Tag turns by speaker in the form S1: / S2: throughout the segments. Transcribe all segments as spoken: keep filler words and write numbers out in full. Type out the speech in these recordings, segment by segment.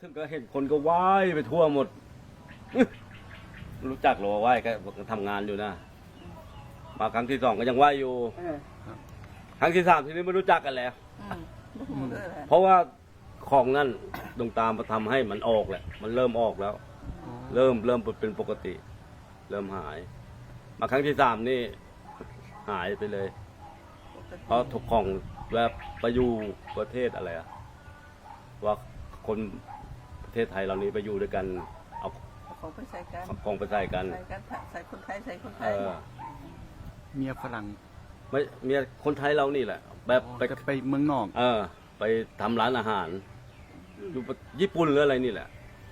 S1: ถึงก็เห็นคนก็ว่ายไปทั่วหมด รู้จักหรอว่าว่ายก็ทำงานอยู่นะมาครั้งที่สองก็ยังว่ายอยู่ครั้งที่สามทีนี้ไม่รู้จักกันแล้วเพราะว่าของนั่นดวงตามาทำให้มันออกแหละมันเริ่มออกแล้ว เริ่มเริ่มเป็นปกติ เริ่มหาย มาครั้งที่สามนี่หายไปเลย เพราะถูกของแบบไปอยู่ประเทศอะไรอะว่าคนประเทศไทยเรานี้ไปอยู่ด้วยกันเอา
S2: ของไปใส่กัน
S1: ของไปใส่กัน
S2: ใส่กันใส่คนไทยใส่คนไท
S1: เอย อ
S3: เมียฝรั่ง
S1: ไม่เมียคนไทยเรานี่แหละ แบบไป
S3: ก็ไปเมืองนอก
S1: เออ ไปทำร้านอาหารอยู่ญี่ปุ่นหรืออะไรนี่แหละ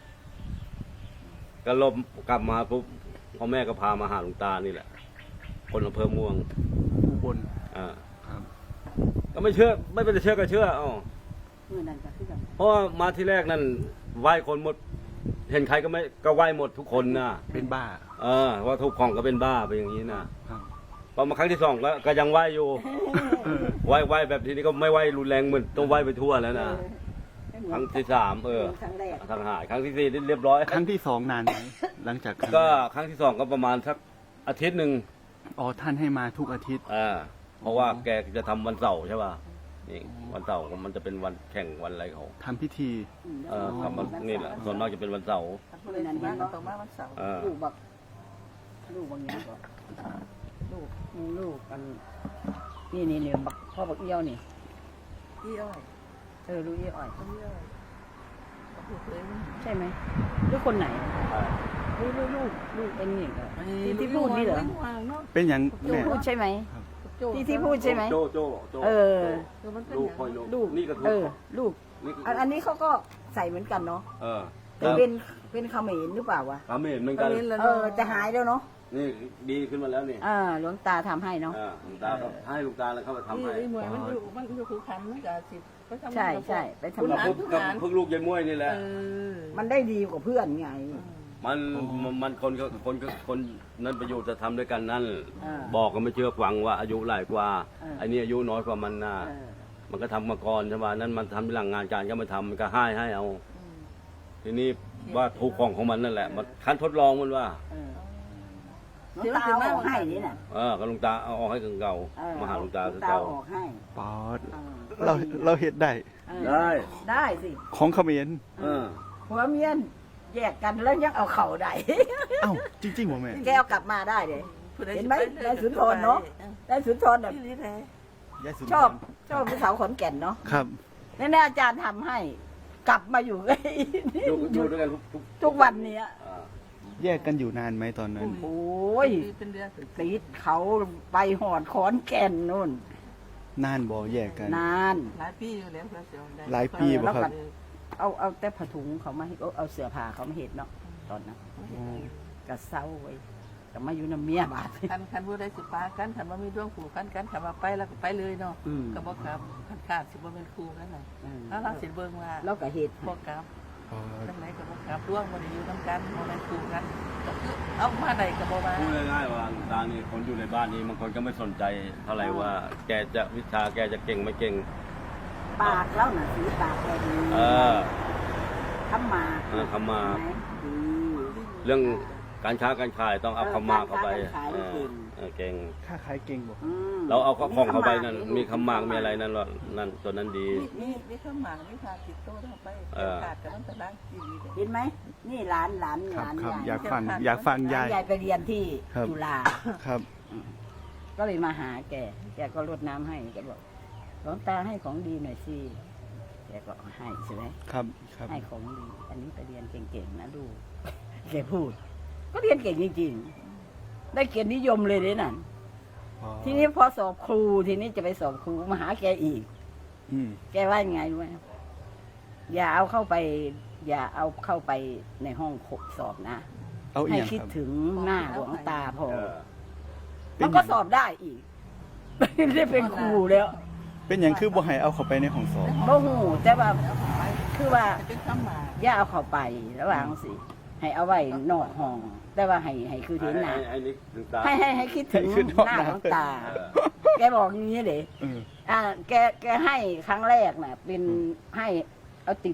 S1: ก็ลบกลับมาปุ๊บพ่อแม่ก็พามาหาหลวงตานี่แหละ คนอำเภอม่วง
S3: อุบล
S1: อ่า
S3: ครับ
S1: ก็ไม่เชื่อ ไม่เป็นเชื่อก็เชื่ออ๋อ
S4: มือนั่นก็คือกัน
S1: เพราะว่ามาที่แรกนั่นไหว้คนหมด เห็นใครก็ไม่ก็ไหว้หมดทุกคนนะ
S3: เป็นบ้า
S1: เออว่าทุกของก็เป็นบ้าไปอย่างนี้นะครับ พอมาครั้งที่สองก็ก็ยังไหว้อยู่ ไหว้ไหว้แบบทีนี้ก็ไม่ไหว้รุนแรงเหมือนต้องไหว้ไปทั่วแล้วนะครั้งที่สามเออ
S4: ครั้งแรก
S1: ทางหายครั้งที่สี่นี่เรียบร้อย
S3: ครั้งที่สองนานไหมหลังจากครั้ง
S1: ก็
S3: แรก
S1: ครั้งที่สองก็ประมาณสักอาทิตย์หนึ่ง
S3: อ๋อท่านให้มาทุกอาทิตย์
S1: อ่าเพราะว่าแกจะทำวันเสาร์ใช่ป่ะนี่วันเสาร์มันจะเป็นวันแข่งวันอะไรเขา
S3: ทำพิธี
S1: เออทำวันนี่แหละส่วนมากจะเป็นวันเสาร์
S2: คนเลยนั่นก็ต้องมาวันเสาร์
S1: เออ
S4: ลูกบักลูกบางอย่างก็ลูกลูกกันนี่นี่เนี่ยบักพ่อบักเอี้ยวนี่
S2: พี่อ้อย
S4: เออลูกเอี้ยวอ่อย
S2: พี่อ้อยก็พูดเลย
S4: ใช่ไหมลูกคนไหนลูกลูกลูกลูกเอ็นนี่เหรอที่ที่พูดนี่เหรอ
S3: เป็นอย่าง
S4: ลูก
S3: แม่
S4: พูดใช่ไหมที่ที่พูดใช่ไหม
S1: โจโจโจ
S4: เออ
S1: ลูกพ่อยลูก
S4: ลูก
S1: นี่ก็ถู
S4: เอก อลูก
S1: นี่ก็
S4: อันอันนี้เขาก็ใส่เหมือนกันเนาะ
S1: เออ
S4: แต่เป็นเป็นเขมรหรือเปล่าวะ
S1: ทำไม่เห็นเหมือนกัน
S4: เออจะหายแล้วเนาะ
S1: นี่ดีขึ้นมาแล้วนี่
S4: อ่าหลวงตาทำให้เนาะ
S1: อ่าหลวงตาก็ให้หลวงตาแล้วเข้าไปทำให้
S2: ไอ้หมวยมันอยู่มันอยู่คูขันมันกับสิเขาทำ
S4: ใช่ใช่ไปทำ
S2: คุณ
S1: กับ
S2: อ่าน
S1: พึ่ง
S2: ทุก
S1: กับ
S2: งาน
S1: พึ่งลูกยายม้วยนี่แหละ
S2: เออ
S4: มันได้ดีกว่าเพื่อนไง
S1: มันมันมันคนก็คนก็คนนั้นประโยชน์จะทำด้วยกันนั่น
S4: อ่า
S1: บอกก็ไม่เชื่อฟังว่าอายุหลายกว่า
S4: อ่า
S1: ไอ้นี่อายุน้อยกว่ามันนะ
S4: เออ
S1: มันก็ทำมาก่อนใช่ไหมนั่นมันทำหลังงานการก็มาทำมันก็ให้ให้เอา ทีนี้ว่าถูกของของมันนั่นแหละ มันคันทดลองมันว่า
S4: เออหลวงตาเอาออกให้นี่น่ะ
S1: เออก็หลวงตาเอาออกให้ถึงเก่า
S4: เออ
S1: มาหาหลวงตา
S4: หล
S1: ถึ
S4: ว
S1: ง
S4: งตา
S1: เก่า
S4: ออกให้
S3: ปอด
S4: เออ
S3: เราเราเห็ดได้
S4: เออ
S1: ได้
S4: ได้สิ
S3: ของเขมร
S1: เออ
S4: ผัวเมียแยกกันแล้วยังเอาเข่าได้
S3: เอ้าจริงๆผมแม่
S4: แกเอากลับมาได้เลย เห็นไหมนายสุนทรเนาะ ได้สุนทรแบบ
S2: ที่นี่แท้
S3: ยายสุนทร
S4: ชอบชอบผู้สาวขอนแก่นเนาะ
S3: ครับ
S4: นี่นะอาจารย์ทำให้ กลับมาอยู่
S1: อยู่อยู่ด้วยกันทุกทุก
S4: ทุกวันเนี้ย
S1: อ่า
S3: แยกกันอยู่นานไหมตอนนั้น
S4: โอ้ย
S2: เป็นเดือน
S4: ติดเขาไปหอดขอนแก่นนู่น
S3: นานบ่แยกกัน
S4: นาน
S2: หลายปีอยู่แล้วเสียวได้
S3: หลายปีบ่ครับ
S4: เอาเอาแต่ผ้าถุงเขามาให้เอาเอาเสื้อผ้าเขามาเห็ดเนาะตอนนั้นกระเซ้าไว้ก็มาอยู่น้ำเมียบาด
S2: คันคันผู้ใดสิปากันคันว่ามีดวงผูกกันกันคันว่าไปแล้วก็ไปเลยเนาะ
S4: อืม
S2: ก็บอกครับคันขาดสิบ่เป็นครูกันน่ะ
S4: อืม
S2: ถ้าเราสิเบิ่งว่า
S4: แล้วก็เห็ด
S2: บอกครับ
S3: ปอด
S2: จังไหนก็บอกครับดวงบ่ได้อยู่นํกันบ่แม่นครูกันก็คือเอามาได้ก็บ่ว่า
S1: พูดง่ายๆว่าหลวงตานี่คนอยู่ในบ้านนี้บางคนก็ไม่สนใจเท่าไหร่ว่า แกจะวิชาแกจะเก่งไม่เก่ง
S4: ปากแล้วน่ะสีปากแกดี
S1: เออ
S4: ทำมา
S1: เออคำมา
S4: ไหมดี
S1: เรื่องการค้าการขายต้องเอาคำมาเข้าไป
S4: การค้าการขาย
S1: เออเออเก่ง
S3: ค่าขายเก่งบ่
S4: อืม
S1: เราเอาของเข้าไปนั่น
S4: ลูก
S1: มีคำมากมีอะไรนั่นว่านั่นตัวนั้นดี
S2: นี่นี่นี่ข้าวหมากนี่พาติดโตเข้าไป
S1: เออ
S2: ขาดกันตั้งแต่ล้างทีวีเลย
S4: เห็นไหมนี่หลานหลาน
S3: ค
S4: ห
S3: รับ
S4: ลาน
S3: ครับ
S4: ยาย
S3: อยากฟังอยากฟังยาย
S4: ยายไปเรียนที่
S3: ครับ
S4: จุฬา
S3: ครับ
S4: ก็เลยมาหาแก แกก็รดน้ำให้ แกบอกหลวงตาให้ของดีหน่อยสิ แกก็ให้ใช่ไหม
S3: ครับครับ
S4: ให้ของดี อันนี้ไปเรียนเก่งๆนะดู แกพูด ก็เรียนเก่งจริงๆ ได้เกียรตินิยมเลยเนี่ยนั่น
S3: ปอด
S4: ทีนี้พอสอบครู ทีนี้จะไปสอบครูมาหาแกอีก
S3: อืม
S4: แกว่ายังไงรู้ไหมอย่าเอาเข้าไป อย่าเอาเข้าไปในห้องสอบนะ
S3: เอาอี
S4: ให้
S3: กอย่าง
S4: คิด
S3: ครับ
S4: ถึงหน้าหลวงตาพอ
S1: เออ
S4: มันก็สอบได้อีก ได้เป็นครูแล้ว
S3: เป็นอย่างคือบ่ให้เอาเข้าไปในห้องสอบ
S4: บ่หูแต่ว่าคือว่า
S2: เป็นข้าวหมาก
S4: อย่าเอาเข้าไประหว่างสิ ให้เอาไว้นอกห้อง แต่ว่าให้ให้คือเห็นหน้า
S1: ไอ้ไอ้นี่หลวงตา
S4: ให้ให้ให้คิดถึง
S3: ให้ขึ้นนอก
S4: หน้า
S3: หน้า
S4: ของตา
S1: เออ
S4: แกบอกอย่างนี้เลย
S3: เออ
S4: อ่าแกแกให้ครั้งแรกน่ะ เป็นให้เอาติด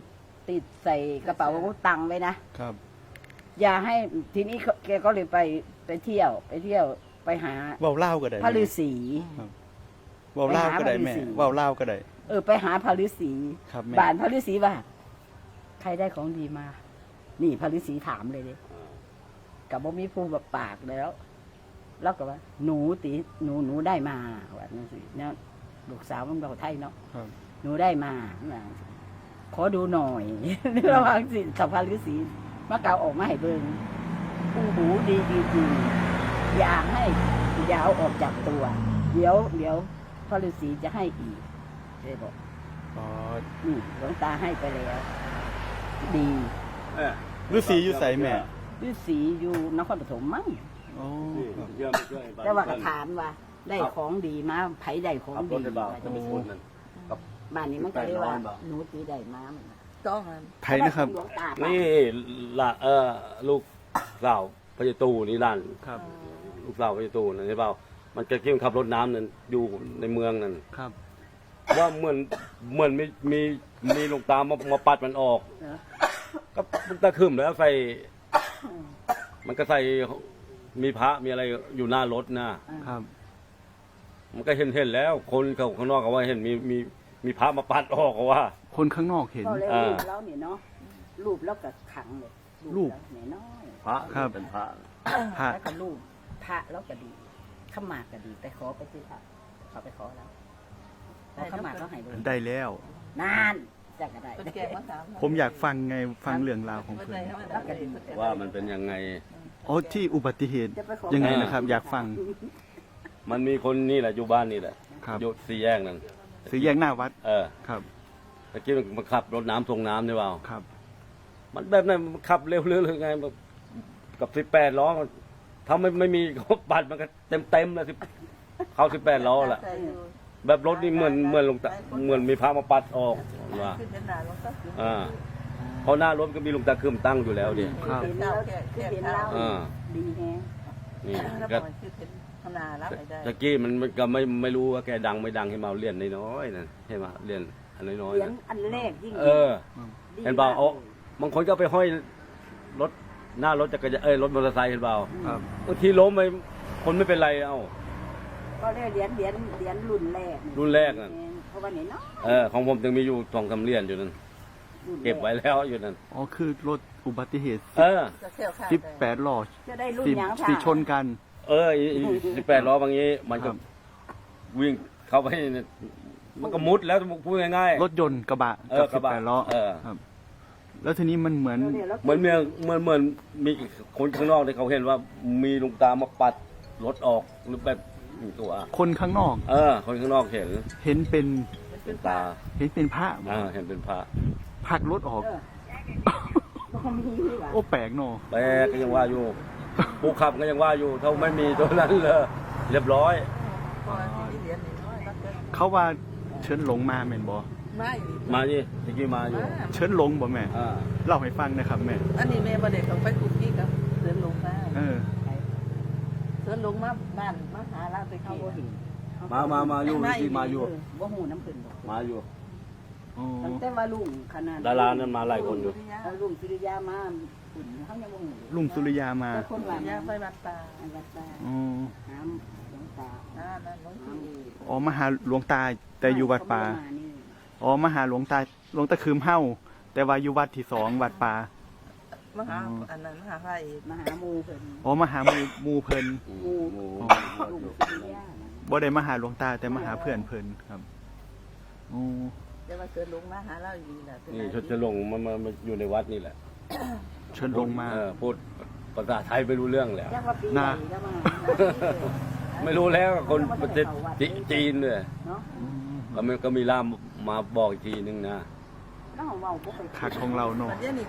S4: ติดใส่กระเป๋าตังค์ไว้นะครับ อย่าให้ทีนี้แกก็เลยไปไปเที่ยว ไปเที่ยวไปหา
S3: เว้าเล่าวก็ได้
S4: พระฤาษี
S3: เว้าเล่าวก็ได้แม่
S4: ไปหาพระฤาษี
S3: เว้าเล่าวก็ได้
S4: เออไปหาพระฤาษี
S3: ครับแม่
S4: บานพระฤาษีว่า ใครได้ของดีมา นี่พระฤาษีถามเลยดิกับบ่มีผู้แบบปากแล้ว แล้วก็ว่า หนูตีหนูหนูได้มาว่านั่นสิเนี่ยลูกสาวมันเราไทยเนาะ
S3: ครับ
S4: หนูได้มาว่าขอดูหน่อย ระหว่างสิสัพพะฤาษีมาเกาออกมาให้เบิ่งอู้หูดีจริงๆอย่าให้อยาวออกจากตัว เดี๋ยวเดี๋ยวพระฤาษีจะให้อีกเลยบอก
S3: อ๋อ
S4: นี่หลวงตาให้ไปแล้ว ดี
S1: เออ
S3: ฤาษีอยู่ไสแม่
S4: ฤาษีอยู่นครปฐมมั้ง
S3: อ๋อ
S1: นี่
S3: ครับ
S1: เชื่อไม่เชื่อไอ้บ้น
S4: แต่ว่ากระถามว่า ได้ของดีมาไผได้ของ
S1: ขับร
S4: ดี
S1: ถได้เปล่า
S4: ว่า
S1: จะ
S4: จะ
S1: ไป
S4: ไป
S1: ช
S4: ซื้
S1: น
S4: อ
S1: นั่น
S4: บ้านนี้มันก็เลยว่า
S1: แปดร้อยบาท
S4: หนูตีได้มา
S2: ต้องอัน
S3: ไผนะครับ
S4: หลวงตา
S1: นี่ละเออลูกสาวพระเจ้าตู่นี่นั่น
S3: ครับ
S1: ลูกสาวพระเจ้าตู่นั่นใช่เปล่ามันจะกิ้งขับรถน้ำนั่นอยู่ในเมืองนั่น
S3: ครับ
S1: ว่าเหมือนเหมือนมีมีมีหลวงตามามาปัดมันออก
S4: เนอะ
S1: ก็มันตะขึ้มแล้วใส่มันก็ใส่มีพระมีอะไรอยู่หน้ารถนะครับ มันก็เห็นเห็นแล้ว คนเขาข้างนอกก็ว่าเห็นมีมีมีพระมาปัดออกก็ว่า
S3: คนข้างนอกเห็น
S4: ก็เลย
S1: อ่า
S4: รูปแล้วเนี่ยเนาะรูปแล้วก็ขังเลย
S3: รูป
S4: แล้วเนี่ยน้อย
S1: พระ
S3: ครับ
S1: เป็นพระ
S3: พระ
S4: แล้วก็รูปพระแล้วก็ดีขมากก็ดีไปขอไปที่พระเขาไปขอแล้วขอขมากเขาให้เลย
S3: ได้แล้ว
S4: นานจะก็ได้
S2: เป็นแกมาถาม
S3: ผมอยากฟังไงฟังเรื่องราวของเพิ่น
S1: ว่ามันเป็นยังไง
S3: อ๋อที่อุบัติเหตุ
S4: จะไปขอ
S3: ยังไงนะครับ อยากฟัง
S1: มันมีคนนี่แหละอยู่บ้านนี่แหละ
S3: ครับ
S1: อยู่สี่แยกนั่น
S3: สีแยกหน้าวัด
S1: เออ
S3: ครับ
S1: ตะกี้มันมาขับรถน้ำส่งน้ำใช่เปล่า
S3: ครับ
S1: มันแบบนั้นมันขับเร็วเรื่อยๆไงแบบกับสิบแปดล้อถ้าไม่ไม่มีเขาปัดมันก็เต็มเต็มๆเลยสิเข้าสิบแปดล้อแหละแบบรถนี่เหมือนเหมือนลงตาเหมือนมีพระมาปัดออกว่า
S2: ขึ้นเป็นหนาลงก็คือ
S1: อ่าเพราะหน้ารถก็มีลงตาคืมตั้งอยู่แล้วดิ
S3: ครับ
S4: เห็นแล้วคือเห็นแล้ว
S1: อ่า
S4: ดีแฮะ
S1: นี่
S2: แล้ว
S1: ก็
S2: มันคือเป็นขนาดรับได้
S1: ตะกี้มันมันก็ไม่ไม่รู้ว่าแกดังไม่ดังให้มาเรียนน้อยๆนั่นใช่ไหมเรียนอันน้อย
S4: เหรีย
S1: ๆ
S4: ญ
S1: นะ
S4: อันแรกยิ่ง
S1: เออ
S4: ดี
S1: เห็นเปล่าเอาบางคนก็เอาไปห้อยรถหน้ารถจักรยานเอ้ยรถมอเตอร์ไซค์เห็นเปล่า
S3: ครับ
S1: บางทีล้มไปคนไม่เป็นไรเอ้า
S4: ก็เรียกเหรียญเหรียญเหรียญรุ่นแรก
S1: รุ่นแรกนั่น
S4: เพราะว่าเนี่ยเนาะ
S1: เออของผมยังมีอยู่สองสามเหรียญอยู่นั่น
S4: รุ่นแร
S1: เก็บไว้แล้วอยู่นั่น
S3: อ๋อคือรถอุบัติเหตุ
S1: เออ
S2: จะเที่ยวข้าว
S3: สิบแปดล้อ
S4: จะได้รุ่น
S3: สิ
S4: หยัง
S3: สิชนกัน
S1: เออสิบแปดล้อบางนี้ มัน
S3: ค
S1: ก็
S3: รับ
S1: วิ่งเข้าไปเนี่ยมันก็มุดแล้วพูดง่าย
S3: รถยนต์กระบะ
S1: เอ
S3: กั
S1: อบ ก
S3: สิ
S1: ระ
S3: บบ
S1: ะ
S3: แปดล้อ
S1: เออ
S3: ครับ แล้วทีนี้มันเหมือน
S4: ดี๋ยวดี๋ยว
S1: ๆเหมือนเมืองเหมือนเหมือนมีคนข้างนอกที่เขาเห็นว่ามีลุงตามาปัดรถออกหรือแบบตัว
S3: คนข้างนอก
S1: เออ คนข้างนอกเห็น
S3: เห็นเป็น
S1: เป็นตา
S3: เห็นเป็นพระ
S1: อ่าเห็นเป็นพระ
S3: ผลักรถออก
S4: เออก็มีที่ว่า
S3: โอ้แปลกเนอะ
S1: แปลกก็ยังว่าอยู่ผู้ขับก็ยังว่าอยู่ถ้าไม่มีตัวนั้นเลยเรียบร้อย
S2: พอที่เหรียญนี่น้อยก็เกิน
S3: เขาว่าเชิญหลงมาแม่นบ่
S2: ไม่
S1: มาดิตะกี้มาอยู่
S3: เชิญหลงบ่แม่
S1: อ่า
S3: เล่าให้ฟังนะครับแม่
S2: อันนี้แม่ประเด็กของไปคุกกี้กับเดินลงมา
S3: เออ
S2: เดินลงมาบ้านมาหาลาตะ
S4: เขา
S2: กี้
S4: บ่เห็น
S1: มามามาอยู่ตะกี้มาอยู่
S4: เออบ่หูน้ำขึ้นดอก
S1: มาอยู่
S3: อ๋อ
S4: ตั้งแต่ว่าลุงขนาด
S1: ดารานั้นมาหลายคนอยู่
S4: เอาลุงสุริยามาขุนเขายังบ่หู
S3: ลุงสุริยามา
S4: แต่คนว่า
S2: ย่าไปบัดตา
S4: อันวัดตา
S3: อ๋อ
S4: หามหลวงตา
S2: อ่านั่นน้อง
S4: หาม
S2: พี่
S3: อ๋อมาหาหลวงตาแต่อยู่วัดป่า
S4: เขบ่ได้มนี่
S3: อ๋อมาหาหลวงตาหลวงตาคืมเฮ้าแต่ว่าอยู่วัดที่สองวัดป่า
S2: มหาอันนั้นมหาไฟ
S4: มาหาหมูเพิ่น
S3: อ๋อมาหาหมู่หมู่เพิ่น
S1: หมู่หมู่
S4: ลุงสุริยาน่ะ
S3: บ่ได้มาหาหลวงตาแต่มาหาเพื่อนเพิ่นครับอ๋อ
S2: จะมาเกิดลงมาหาเราอยู่น่ะ
S1: นี่ชดจะลงมามามาอยู่ในวัดนี่แหละ
S3: เชิญลงมา
S1: เออพูดภาษาไทยไม่รู้เรื่องแล้ว
S4: เรียกว่าปี
S3: น่ะ
S4: ใหญ่แล้วมา
S1: ไม่รู้แล้วคนประเทศจีนเนี่ย
S4: เนาะ
S3: อืม
S1: ก็มีก็มีล่ามมาบอกอีกทีนึงนะ
S4: น้องเว้าบ่ไป
S3: คักของเราเนาะ
S2: มันเดี๋ยวนี้